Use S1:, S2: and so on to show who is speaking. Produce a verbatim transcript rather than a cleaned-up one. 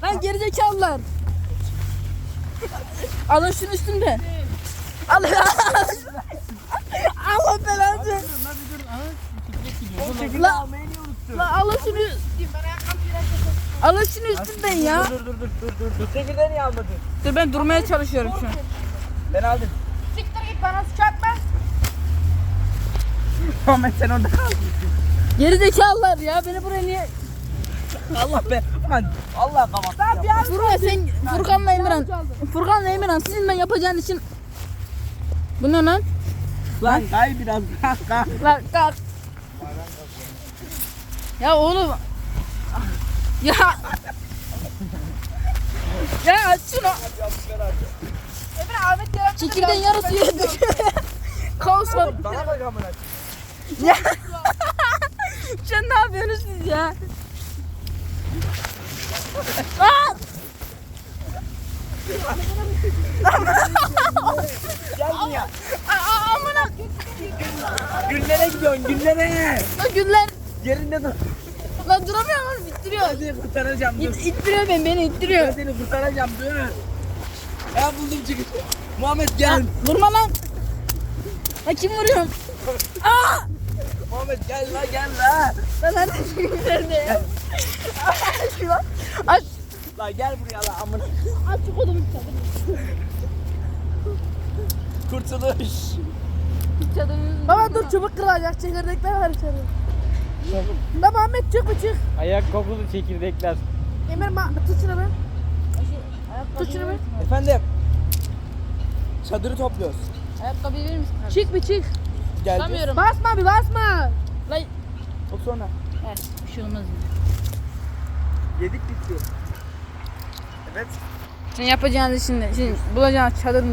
S1: Lan gerizekalılar. Alın şunu üstümde. Allah Allah belanı. La la alın şunu. Alın şunu üstümden ya.
S2: Dur dur dur dur dur dur. Çekirdeği niye almadın?
S1: Dur ben durmaya çalışıyorum şu an.
S2: Ben aldım.
S3: Siktir git bana suç atma.
S2: Ahmet sen orada kal.
S1: Gerizekalılar ya beni buraya niye?
S2: Allah be. Lan Allah kapat.
S3: Ben bir an
S1: Furkan sen Furkan'la Emirhan. Furkan'la Emirhan sizin ben yapacağın için. Bu ne lan?
S2: Lan kay biraz. Kalk kalk.
S1: Lan kalk. Ya oğlum. Ya. Ya aç şunu.
S3: Emre Ahmet yaratdı.
S1: Çekirdeğin yarısı yedi. Kaos var.
S2: Bana bak amına.
S1: Ya. Sen ne yapıyorsunuz siz ya? Aa!
S2: Gel buraya.
S1: Aa, amına.
S2: Güllere gidiyorsun güllere.
S1: Lan günler.
S2: Yerinde dur.
S1: Lan duramıyorum lan ittiriyor.
S2: Ben seni kurtaracağım dur.
S1: İt, ittiriyor beni beni
S2: Ben
S1: ittiriyor.
S2: seni kurtaracağım dur. Ben buldum çıkışı. Muhammed gel.
S1: Vurma lan. Lan kim vuruyorum? Aa!
S2: Muhammed gel la gel la.
S1: Lan nerede? Nerede ya? Aç şunu. Aç.
S2: La gel buraya la amına.
S1: Aç şu kodumu çadırını.
S2: Kurtuluş.
S1: Çadırını.
S3: Baba dur çubuk kırılacak. Çekirdekler var içeride. Baba Ahmet çık bir çık.
S4: Ayak kokulu çekirdekler.
S3: Emir ma tut şunu be. Tut şunu be.
S2: Efendim. Çadırı topluyoruz.
S1: Ayakkabıyı verir misin?
S3: Çık bir çık.
S2: Geldi.
S1: Tutamıyorum.
S3: Basma bir basma.
S1: Lan.
S2: O sonra.
S1: Evet, bir şey olmaz.
S2: Yedik bitti. Evet.
S1: Sen yapacağınız şimdi, şimdi bulacağınız çadırın